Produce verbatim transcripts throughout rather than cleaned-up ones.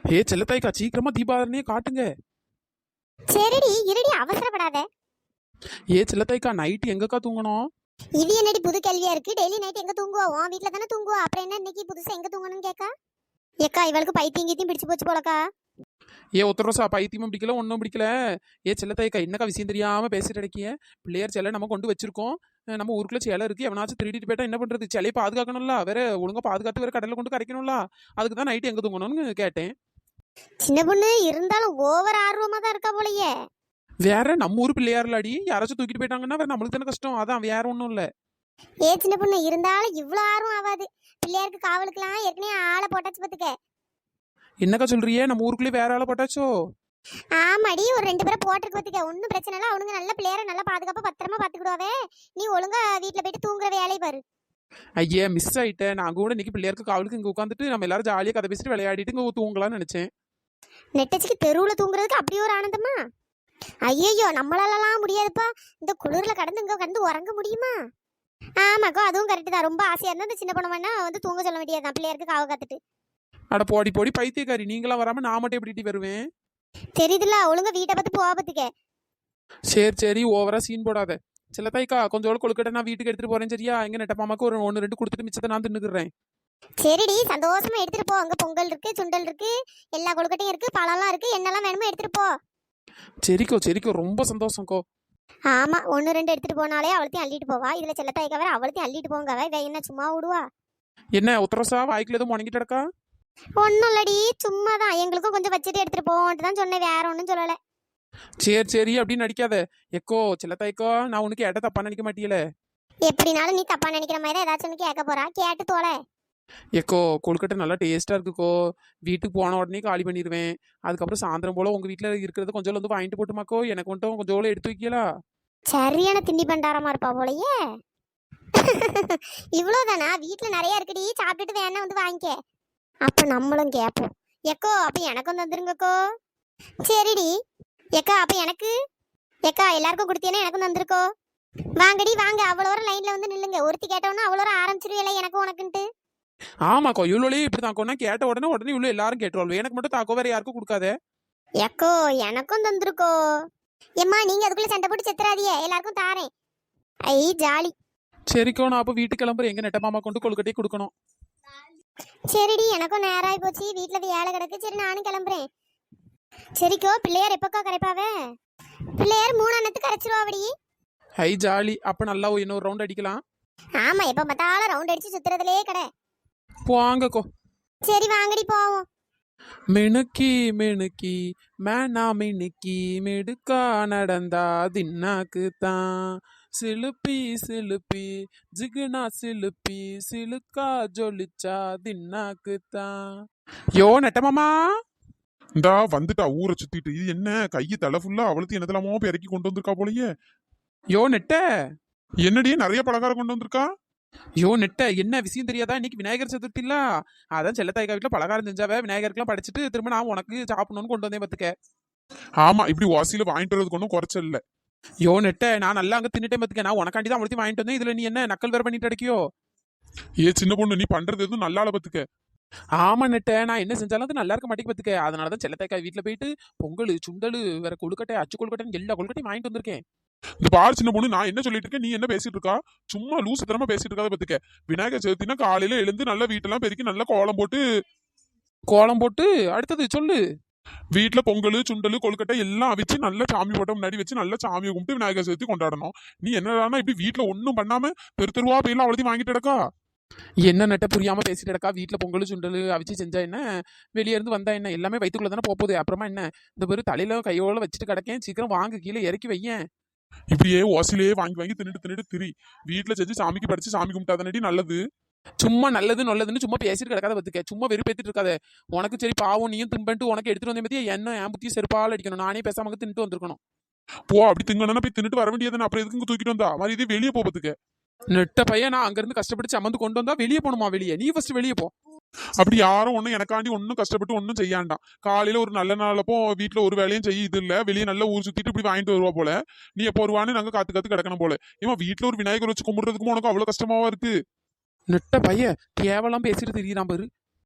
ஏ செல்லத்தாய்க்கா, சீக்கிரமா தீபாவளியே காட்டுங்க. சரிடி இருடி அவசரப்படாத. ஏ செல்லத்தாய்க்கா, நைட்டு எங்கக்கா தூங்கணும்? இது என்னடி புது கேள்வியா இருக்கு? டெய்லி நைட் எங்க தூங்குவா? உன் வீட்ல தானே தூங்குவா, அப்புறம் என்ன இன்னைக்கு புதுசா எங்க தூங்கணும்னு கேக்கா? ஏக்கா இவளுக்கு பைத்தியம் கீத்தியம் பிடிச்சு போச்சு போலக்கா. ஏ ஒத்தரோசா, பைத்தியமும் பிடிக்கல ஒன்றும் பிடிக்கல. ஏ செல்லத்தாய்க்கா, என்னக்கா விஷயம் தெரியாம பேசிட்டு அடக்கிய? பிள்ளையார் சிலை நம்ம கொண்டு வச்சிருக்கோம். அஹ் நம்ம ஊருக்குள்ள சிலை இருக்கு, எவனாச்சும் திருடிட்டு போயிட்டா என்ன பண்றது? சிலையை பாதுகாக்கணும்ல, வேற ஒழுங்கா பாதுகாத்து வேற கடல்ல கொண்டு கரைக்கணும்ல. அதுக்கு தான் நைட்டு எங்க தூங்கணும்னு கேட்டேன். சின்ன பொண்ணு இருந்தாலும் ஓவர் ஆர்வமா தான் இருக்கா போலயே. வேற நம்ம ஊர் பிள்ளையார்லாடி, யாராச்சும் தூக்கிட்டு போயிட்டாங்கன்னா வேற நம்மளுக்கு தானே கஷ்டம். அதான் வேற ஒன்றும் இல்லை. ஏ சின்ன பொண்ணு இருந்தாலும் இவ்வளோ ஆர்வம் ஆகாது. பிள்ளையாருக்கு காவலுக்குலாம் ஏற்கனவே ஆளை போட்டாச்சு பாத்துக்க. என்னக்கா சொல்றியே? நம்ம ஊருக்குள்ளே வேற ஆளை போட்டாச்சோ? ஆமாடி, ஒரு ரெண்டு பேரை போட்டிருக்கு பாத்துக்க. ஒன்றும் பிரச்சனை இல்லை, அவனுங்க நல்ல பிள்ளையார நல்லா பாதுகாப்பா பத்திரமா பாத்துக்கிடுவாவே. நீ ஒழுங்கா வீட்டுல போயிட்டு தூங்குற வேலையை பாரு. ஐயே, மிஸ் ஆயிட்டேன். நான் கூட இன்னைக்கு பிள்ளையாருக்கு காவலுக்கு இங்க உட்காந்துட்டு நம்ம எல்லாரும் ஜாலியாக கதை பேசிட்டு விளையாடிட்டு இங்க தூங்கலாம்னு நினைச்சேன். நெட்டச்சிக்கு தெருவுல தூங்குறதுக்கு அப்படி ஒரு ஆனந்தமா? ஐயோ நம்மளாலலாம் முடியாதுப்பா. இந்த குளிர்ல கடந்து இங்க கடந்து உறங்க முடியுமா? ஆமாக்கோ அதுவும் கரெக்ட் தான். ரொம்ப ஆசையா இருந்தா இந்த சின்ன பொண்ணு வேணா வந்து தூங்க சொல்ல வேண்டியதுதான், பிள்ளையாருக்கு காவ காத்துட்டு. அட போடி போடி பைத்தியக்காரி, நீங்களா வராம நான் மட்டும் எப்படி வருவேன்? தெரியுதுல, ஒழுங்கா வீட்டை பார்த்து போவாபத்துக்க. சரி சரி, ஓவரா சீன் போடாத. சிலத்தாய்க்கா, கொஞ்சோட கொழுக்கட்டை நான் வீட்டுக்கு எடுத்துட்டு போறேன் சரியா? எங்க நெட்டப்பாமாக்கு ஒரு ஒன்று ரெண்டு கொடுத்துட்டு மிச்சத்தை நான் தின்னுக்குறேன். சரிடி சந்தோஷமா எடுத்துட்டு போ. அங்க பொங்கல் இருக்கு, சுண்டல் இருக்கு, எல்லா கொழுக்கட்டையும் இருக்கு, பழம்லாம் இருக்கு, என்னெல்லாம் வேணுமோ எடுத்துட்டு போ. சரிக்கோ சரிக்கோ, ரொம்ப சந்தோஷம்க்கோ. ஆமா, ஒன்னு ரெண்டு எடுத்துட்டு போனாலே அவளத்தையும் அள்ளிட்டு போவா. இதுல செல்லத்தாய்க்க வேற அவளத்தையும் அள்ளிட்டு போங்க. வே என்ன சும்மா விடுவா? என்ன உத்தரசா, வாய்க்குள்ள எதுவும் முணங்கிட்டு கிடக்கா? ஒன்னும் இல்லடி, சும்மா தான். எங்களுக்கும் கொஞ்சம் வச்சுட்டு எடுத்துட்டு போவோன்ட்டு தான் சொன்னேன், வேற ஒன்றும் சொல்லலை. சரி சரி அப்படின்னு நடிக்காத. எக்கோ சிலத்தாய்க்கோ, நான் உனக்கு ஏட்ட தப்பா நினைக்க மாட்டியல. எப்படினாலும் நீ தப்பா நினைக்கிற மாதிரி தான் ஏதாச்சும் ஒன்று கேட்க போறா, கேட்டு தோலை. எக்கோ கொழுக்கட்டை நல்லா டேஸ்டா இருக்குக்கோ. வீட்டுக்கு போன உடனே காலி பண்ணிடுவேன். அதுக்கப்புறம் சாயந்தரம் போல உங்க வீட்டுல இருக்கிறது கொஞ்சம் வந்து வாங்கிட்டு போட்டுமாக்கோ. எனக்கு மட்டும் கொஞ்சம் எடுத்து வைக்கலா? சரியான திண்டி பண்டாரமா இருப்பா போலயே. இவ்வளவுதானா? வீட்டுல நிறைய இருக்குடி, சாப்பிட்டுட்டு வேணா வந்து வாங்கிக்க. அப்ப நம்மளும் கேட்போம். எக்கோ அப்ப எனக்கும் தந்துருங்கக்கோ. சரிடி. எக்கா அப்ப எனக்கு. எக்கா எல்லாருக்கும் கொடுத்தீங்கன்னா எனக்கும் தந்துருக்கோ. வாங்கடி வாங்க, அவ்வளோ லைன்ல வந்து நில்லுங்க. ஒருத்தி கேட்டவொன்னா அவ்வளோ ஆரம்பிச்சிருவியல எனக்கு உனக்குன்ட்டு. ஆமாக்கோ, இவ்வளோலே இப்படி தாக்கோன்னா கேட்ட உடனே உடனே இவ்வளோ எல்லாரும் கேட்டுருவாள். எனக்கு மட்டும் தாக்கோ, வேற யாருக்கும் கொடுக்காத. எக்கோ எனக்கும் தந்துருக்கோ. எம்மா நீங்க அதுக்குள்ள சண்டை போட்டு செத்துறாதியே, எல்லாருக்கும் தாரேன். ஐ ஜாலி. சரிக்கோ, நான் அப்போ வீட்டுக்கு கிளம்புறேன். எங்க நெட்ட மாமா கொண்டு கொழுக்கட்டையை கொடுக்கணும். சரிடி, எனக்கும் நேரம் ஆகி போச்சு, வீட்டுல வேலை கிடக்கு. சரி நானும் கிளம்புறேன். சரிக்கோ, பிள்ளையார் எப்பக்கா கரைப்பாவே? பிள்ளையார் மூணு அண்ணத்துக்கு கரைச்சிருவாடி. ஹை ஜாலி, அப்ப நல்லா இன்னொரு ரவுண்ட் அடிக்கலாம். ஆமா, எப்ப பார்த்தாலும் ரவுண்ட் அடிச்சு சுத்துறதுலயே கடை. போங்கக்கோ. சரி வாங்கடி போவோம். மினுக்கி மினுக்கி மேனா மினுக்கி மிடுக்கா நடந்தா தின்னாக்கு தான். சிலுப்பி சிலுப்பி ஜிகுனா சிலுப்பி சிலுக்கா ஜொலிச்சா தின்னாக்கு தான். யோ நெட்டமாமா, இந்தா வந்துட்டா ஊரை சுத்திட்டு. இது என்ன கையை தலை ஃபுல்லா அவளுக்கு என்னதெல்லாமோ இறக்கி கொண்டு வந்திருக்கா போலயே. யோ நெட்ட. என்னடியே நிறைய பலகாரம் கொண்டு வந்திருக்கா? யோ நெட்ட, என்ன விஷயம் தெரியாதா? இன்னைக்கு விநாயகர் சதுர்த்தி இல்ல? அதான் செல்லத்தாய்க்கா வீட்டுல பலகாரம் செஞ்சாவே, விநாயகருக்குலாம் படிச்சுட்டு திரும்ப நான் உனக்கு சாப்பிடணும்னு கொண்டு வந்தேன் பாத்துக்க. ஆமா, இப்படி வாசியில வாங்கிட்டு வரதுக்கு ஒன்றும் குறைச்சல் இல்ல. யோ நெட்ட, நான் நல்லா அங்க தின்னுட்டேன் பாத்துக்க. நான் உனக்காண்டி தான் அவளுக்கு வாங்கிட்டு வந்தேன். இதுல நீ என்ன நக்கல் வேற பண்ணிட்டு அடிக்கியோ? ஏ சின்ன பொண்ணு, நீ பண்றது எதுவும் நல்லால பத்துக்க. ஆமா நெட்ட, நான் என்ன செஞ்சாலும் அது நல்லா இருக்க மாட்டேங்க பாத்துக்க. அதனாலதான் செல்லத்தாய்க்கா வீட்டுல போயிட்டு பொங்கல் சுண்டல் வேற கொழுக்கட்டை அச்சு கொழுக்கட்டை எல்லா கொழுக்கட்டையும் வாங்கிட்டு வந்திருக்கேன். இந்த பாரு சின்ன பொண்ணு, நான் என்ன சொல்லிட்டு இருக்கேன், நீ என்ன பேசிட்டு இருக்கா? சும்மா லூசு தரமா பேசிட்டு இருக்காத பத்துக்க. விநாயகர் சதுர்த்தினா காலையில எழுந்து நல்லா வீட்டெல்லாம் பெருக்கி நல்லா கோலம் போட்டு. கோலம் போட்டு அடுத்தது சொல்லு. வீட்டுல பொங்கல் சுண்டல் கொழுக்கட்டை எல்லாம் அவிச்சு நல்லா சாமி போட்ட முன்னாடி வச்சு நல்லா சாமியை கும்பிட்டு விநாயகர் சதுர்த்தி கொண்டாடணும். நீ என்னடானா இப்படி வீட்டுல ஒன்னும் பண்ணாம தெரு தெருவா போயிலாம் அவ்வளோத்தையும் வாங்கிட்டு கிடக்கா. என்ன நெட்ட புரியாம பேசிட்டு இருக்கா? வீட்டுல பொங்கல் சுண்டல் அவிச்சு செஞ்சா என்ன, வெளியே இருந்து வந்தா என்ன, எல்லாமே வயிற்றுக்குள்ள தானே போகுது. அப்புறமா என்ன, இந்த பேரு தலையில கையோட வச்சுட்டு கிடக்கேன். சீக்கிரம் வாங்க, கீழே இறக்கி வையேன். இப்படியே ஓசிலேயே வாங்கி வாங்கி தின்னுட்டு தின்னுட்டு திரி. வீட்டுல செஞ்சு சாமிக்கு படிச்சு சாமி கும்பிட்டாதானடி நல்லது. சும்மா நல்லது நல்லதுன்னு சும்மா பேசிட்டு கிடக்காத பத்துக்க. சும்மா வெறுப்பேத்திட்டு இருக்காத. உனக்கு சரி பாவம், நீயும் தின்பன்ட்டு உனக்கு எடுத்துட்டு வந்தே பத்தியா என்ன என் புத்தி செருப்பால் அடிக்கணும். நானே பேசாம தின்னுட்டு வந்திருக்கணும். போ, அப்படி திங்கணும்னா போய் தின்னுட்டு வர வேண்டியதுன்னு. அப்புறம் எதுக்கு தூக்கிட்டு வந்தா மாதிரி இதே வெளியே போறதுக்கு. நெட்ட பையன், நான் அங்க இருந்து கஷ்டப்பட்டு சமந்து கொண்டு வந்தா வெளியே போகணுமா? வெளியே நீ ஃபர்ஸ்ட் வெளியே போ. அப்படி யாரும் ஒன்னும் எனக்காண்டி ஒன்னும் கஷ்டப்பட்டு ஒன்னும் செய்யாண்டாம். காலையில ஒரு நல்ல நாளப்போ வீட்டுல ஒரு வேலையும் செய்ய இது இல்ல, வெளியே நல்ல ஊர் சுத்திட்டு இப்படி வாங்கிட்டு வருவா போல. நீ எப்போ வருவான்னு நாங்க காத்து காத்து கிடக்கணும் போல. ஏமா வீட்டுல ஒரு விநாயகர் வச்சு கும்பிடுறதுக்கும் உனக்கு அவ்வளவு கஷ்டமாவா இருக்கு? நெட்ட பையன் தேவலாம் பேசிட்டு திரியிறான் பாரு.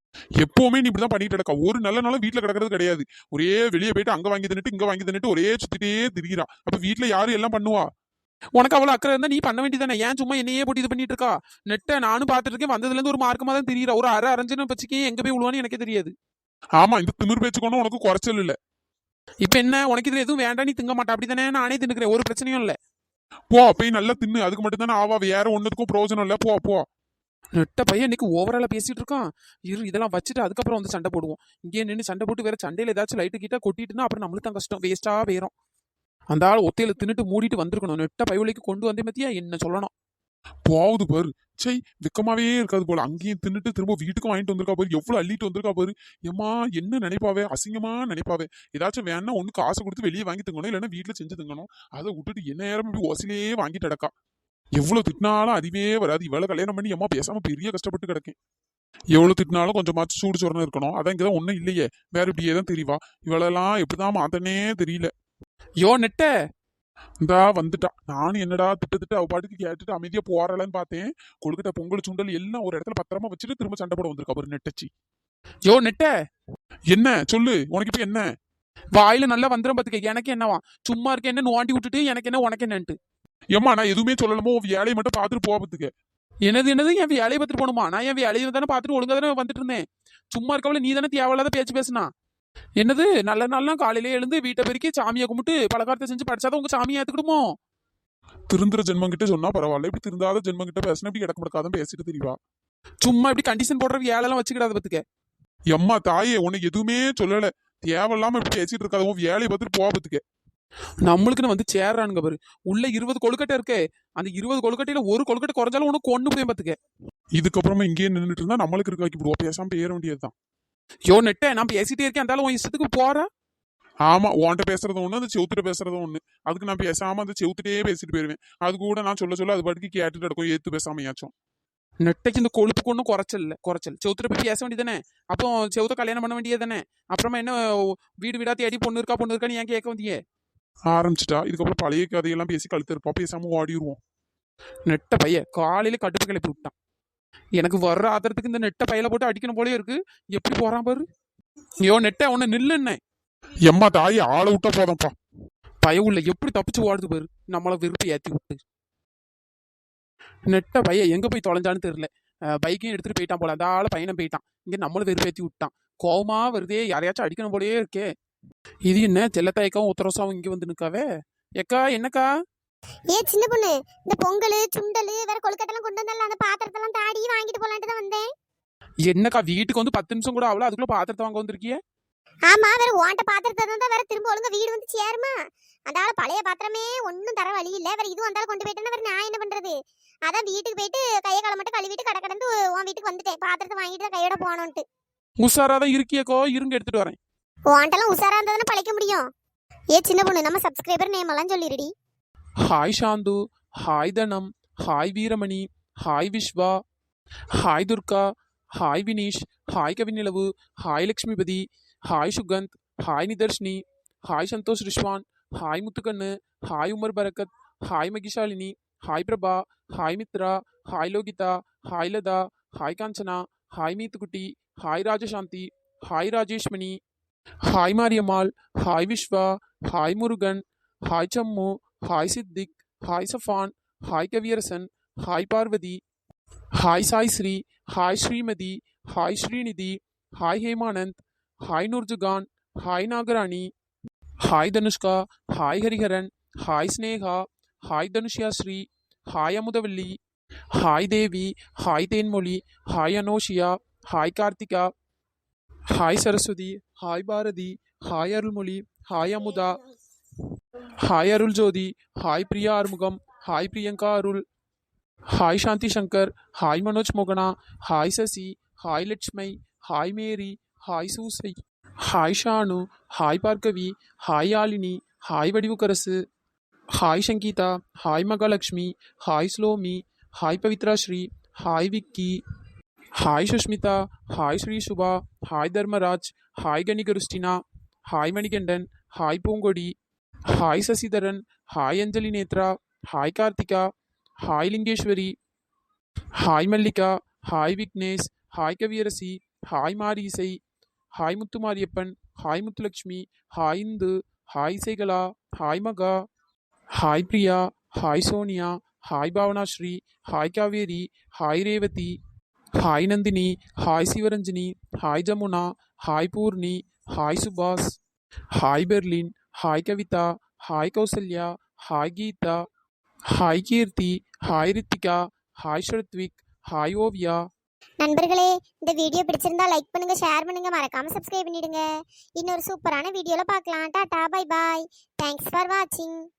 எப்பவுமே நீ இப்படிதான் பண்ணிட்டு கிடக்கா. ஒரு நல்ல நாளும் வீட்டுல கிடக்கிறது கிடையாது. ஒரே வெளியே போயிட்டு அங்க வாங்கி தின்னுட்டு இங்க வாங்கி தின்னுட்டு ஒரே சுத்திட்டே திரிகிறா. அப்ப வீட்டுல யாரு எல்லாம் பண்ணுவா? உனக்கு அவ்வளவு அக்கறை இருந்தா நீ பண்ண வேண்டியதானே? ஏன் சும்மா என்னையே போட்டு இது பண்ணிட்டு இருக்கா? நெட்டை நானும் பார்த்துட்டு இருக்கேன். வந்ததுல இருந்து ஒரு மார்க்கமா தான் தெரியற. ஒரு அரை அரைஞ்சுன்னு பச்சுக்கே எங்க போய் விழுவான்னு எனக்கே தெரியாது. ஆமா, இந்த திமிர் பேச்சுக்கொண்டு உனக்கு குறைச்சல் இல்ல. இப்ப என்ன உனக்கு இதுல எதுவும் வேண்டாம், நீ திங்க மாட்டா அப்படித்தானே? நானே தின்னுக்கிறேன், ஒரு பிரச்சனையும் இல்ல. போ போய் நல்லா தின்னு. அதுக்கு மட்டும் தானே ஆவா, வேற ஒண்ணுக்கும் பிரயோஜனம் இல்ல. போ போ. நெட்ட பையன் இன்னைக்கு ஓவராலா பேசிட்டு இருக்கான். இரு இதெல்லாம் வச்சுட்டு அதுக்கப்புறம் வந்து சண்டை போடுவோம். இங்கே நின்று சண்டை போட்டு வேற சண்டையில ஏதாச்சும் லைட்டு கிட்ட கொட்டிட்டுனா அப்புறம் நம்மளுக்கு தான் கஷ்டம், வேஸ்டா போயிரும். அந்த ஆள் ஒத்தையில தின்னுட்டு மூடிட்டு வந்திருக்கணும். நெட்ட பையலைக்கு கொண்டு வந்தே மத்தியா என்ன சொல்லணும். போகுது பாரு. சை, வெக்கமாவே இருக்காது போல. அங்கேயும் தின்னுட்டு திரும்ப வீட்டுக்கும் வாங்கிட்டு வந்திருக்கா பாரு. எவ்வளவு அள்ளிட்டு வந்திருக்கா பாரு. ஏமா என்ன நினைப்பாவே, அசிங்கமா நினைப்பாவே. ஏதாச்சும் வேணா ஒண்ணு காசு கொடுத்து வெளியே வாங்கி திங்கணும், இல்லைன்னா வீட்டுல செஞ்சு திங்கணும். அதை விட்டுட்டு என்ன நேரம் இப்படி ஓசிலேயே வாங்கிட்டு அடக்கா. எவ்வளவு திட்டினாலும் அதுவே வராது. இவ்வளவு கல்யாணம் பண்ணி அம்மா பேசாம பெரிய கஷ்டப்பட்டு கிடக்கேன். எவ்வளவு திட்டினாலும் கொஞ்சமாச்சும் சூடு சொரணம் இருக்கணும். அதான் இங்கதான் ஒண்ணும் இல்லையே, வேற இப்படியே தான் தெரியவா. இவளெல்லாம் எப்படிதான் மாத்தனே தெரியல. யோ நெட்ட, இந்தா வந்துட்டா. நானும் என்னடா திட்ட திட்ட அவ பாட்டுக்கு கேட்டுட்டு அமைதியா போறாளன்னு பார்த்தேன். கொழுக்கட்டை பொங்கல் சுண்டல் எல்லாம் ஒரு இடத்துல பத்திரமா வச்சுட்டு திரும்ப சண்டை போட வந்திருக்கா ஒரு நெட்டச்சி. யோ நெட்ட, என்ன சொல்லு, உனக்கு இப்ப என்ன? வாயில நல்லா வந்துடும் பாத்துக்க. எனக்கு என்னவா, சும்மா இருக்க என்ன நோண்டி விட்டுட்டு எனக்கு என்ன உனக்கு என்னன்ட்டு. ஏம்மா நான் எதுவுமே சொல்லலாமோ, வேலையை மட்டும் பார்த்துட்டு போவதுக்கு. என்னது என்னது, என் வேலையை பார்த்துட்டு போகணுமா? நான் என் வேலையை தானே பார்த்துட்டு ஒழுங்கா தானே வந்துட்டு இருந்தேன். சும்மா இருக்கவள நீ தானே தேவையில்லாத பேச்சு பேசுனா. என்னது நல்ல நாள்லாம் காலையிலே எழுந்து வீட்டை பெருக்கி சாமியை கும்பிட்டு பலகாரத்தை செஞ்சு படிச்சாதான் உங்க சாமியை ஏத்துக்கிடுமோ? திருந்துற ஜென்மம் கிட்ட சொன்னா பரவாயில்ல, இப்படி திருந்தாத ஜென்மம் கிட்ட பேசினா இப்படி கிடக்க முடக்காதான் பேசிட்டு தெரியவா. சும்மா இப்படி கண்டிஷன் போடுற வேலையெல்லாம் வச்சுக்கிடாத பத்துக்க. எம்மா தாயே, உனக்கு எதுவுமே சொல்லல. தேவையில்லாம இப்படி பேசிட்டு இருக்காத. உன் வேலையை பார்த்துட்டு போவதுக்கு. நம்மளுக்குன்னு வந்து சேர்றானுங்க பாரு. உள்ள இருபது கொழுக்கட்டை இருக்கே, அந்த இருபது கொழுக்கட்டையில ஒரு கொழுக்கட்டை குறைஞ்சாலும் உனக்கு ஒண்ணு போய் பாத்துக்க. இதுக்கப்புறமா இங்கேயே நின்றுட்டு இருந்தா நம்மளுக்கு இருக்க வைக்க விடுவோம். பேசாம பேர வேண்டியதுதான். யோ நெட்ட, நான் பேசிட்டே இருக்கேன், அந்த உன் இஷ்டத்துக்கு போற. ஆமா, உன்கிட்ட பேசுறதும் ஒண்ணு, அந்த செவுத்துட்டு பேசுறதும் ஒண்ணு. அதுக்கு நான் பேசாம அந்த செவுத்துட்டே பேசிட்டு போயிருவேன். அது கூட நான் சொல்ல சொல்ல அது பாட்டுக்கு கேட்டுட்டு இருக்கும். ஏத்து பேசாமையாச்சும். நெட்டைக்கு இந்த கொழுப்புக்கு ஒன்றும் குறைச்சல் இல்லை. குறைச்சல் செவுத்துல போய் பேச வேண்டியதானே. அப்போ செவுத்த கல்யாணம் பண்ண வேண்டியதானே. அப்புறமா என்ன வீடு வீடா தேடி பொண்ணு இருக்கா பொண்ணு இருக்கான்னு ஏன் கேட்க வந்தியே? ஆரம்பிச்சிட்டா. இதுக்கப்புறம் பழைய கதையெல்லாம் பேசி கழுத்து இருப்பா. பேசாம ஓடிடுவோம். நெட்ட பைய காலையில கட்டுப்பு கிளப்பி விட்டான். எனக்கு வர்ற ஆத்திரத்துக்கு இந்த நெட்ட பையில போட்டு அடிக்கணும் போலே இருக்கு. எப்படி போறான் பாரு. ஐயோ நெட்ட, உன்னை நில்லுன்னே. எம்மா தாய், ஆளை விட்டா போதும்ப்பா. பய உள்ள எப்படி தப்பிச்சு ஓடுது பாரு. நம்மள விருப்பி ஏத்தி விட்டு. நெட்ட பைய எங்க போய் தொலைஞ்சான்னு தெரியல. பைக்கையும் எடுத்துட்டு போயிட்டான் போல. அந்த ஆள பையனும் போயிட்டான். இங்க நம்மளும் வெறுப்பேத்தி விட்டான். கோவமா வருதே, யாரையாச்சும் அடிக்கணும் போலயே இருக்கே. இது என்ன செல்லத்தாய்க்காவும் உத்தரவாசாவும் இங்க வந்து நிக்காவே. எக்கா என்னக்கா? ஏ சின்ன பொண்ணு, இந்த பொங்கல் சுண்டல் வேற கொழுக்கட்டெல்லாம் கொண்டு வந்தால, அந்த பாத்திரத்தெல்லாம் தாடி வாங்கிட்டு போலான்ட்டு தான் வந்தேன். என்னக்கா வீட்டுக்கு வந்து பத்து நிமிஷம் கூட அவ்வளோ, அதுக்குள்ள பாத்திரத்தை வாங்க வந்திருக்கிய? ஆமா, வேற ஓண்ட பாத்திரத்தை தான் வேற திரும்ப ஒழுங்கா வீடு வந்து சேருமா. அந்த ஆள பழைய பாத்திரமே ஒன்னும் தர வழி இல்ல. வேற இது வந்தாலும் கொண்டு போயிட்டேன்னா வேற நான் என்ன பண்றது? அதான் வீட்டுக்கு போயிட்டு கையை காலை மட்டும் கழுவிட்டு கடை கடந்து உன் வீட்டுக்கு வந்துட்டேன். பாத்திரத்தை வாங்கிட்டு தான் கையோட போனோன்ட்டு. உஷாராதான் இருக்கியக்கோ, இருங்க எடுத்துட்டு வரேன். ஓண்டெல்லாம் உஷாரா இருந்தா தானே பழைக்க முடியும். ஏ சின்ன பொண்ணு, நம்ம சப்ஸ்கிரைபர் நேம் எல்லாம் சொல்லிடுடி. Hi Santhu, hi Dhanam, hi Veeramani, hi Viswa, hi Durga, hi Vineesh, hi Kavinilavu, hi Lakshmipathi, hi Sukanth, hi Nitharshini, hi Santhosh Rishwan, hi Muthukannu, hi Umar Barakath, hi Mahishalini, hi Prabha, hi Mithra, hi Lokitha, hi Latha, hi Kanchana, hi Meethukutti, hi Rajasanthi, hi Rajeshmani, hi Mariyammal, hi Viswa, hi Murugan, hi Sammu, hi Siddiq, hi Safan, hi Kaviyarasan, hi Parvathi, hi Sai Sri, hi Srimathi, hi Srinidhi, hi Hemanand, hi Noorjahan, hi Nagarani, hi Dhanushka, hi Hariharan, hi Sneha, hi Dhanushya Sri, hi Amudhavalli, hi Devi, hi Thenmozhi, hi Anoshiya, hi Karthika, hi Saraswathi, hi Bharathi, hi Arulmozhi, hi Amudha, hi Arul Jothi, hi Priya Arumugam, hi Priyanka Arul, hi Shanthi Shankar, hi Manoj மோகனா, hi Sasi, hi Latchumai, hi Mary, hi Susai, hi Shanu, hi Bhargavi, hi Yazhini, hi Vadivukkarasu, hi Sangeetha, hi Mahalakshmi, hi Slomi, hi Pavithra Sri, hi Vicky, hi Sushmitha, hi Sri Subha, hi Dharmaraj, hi Kanikristina, hi Manikandan, hi Poongodi, hi Sasidharan, hi Anjali Nethra, hi Karthika, hi Lingeswari, hi Mallika, hi Vignesh, hi Kaviyarasi, hi Marisai, hi Muthumariyappan, hi Muthulakshmi, hi Indhu, hi Isaikala, hi Maha, hi Priya, hi Sonia, hi Bhavanasri, hi Kaveri, hi Revathi, hi Nandhini, hi Sivaranjani, hi Jamuna, hi Poorni, hi Subash, hi Berlin, hi Kavitha, hi Kousalya, hi Geetha, hi Keerthi, hi Rithika, hi Sruthvik, hi Oviya. நண்பர்களே, இந்த video பிடிச்சிருந்தா like பண்ணுங்க, share பண்ணுங்க, மறக்காம subscribe பண்ணிடுங்க. இன்னொரு சூப்பரான வீடியோல பார்க்கலாம். Tata, bye bye. Thanks for வாட்சிங்.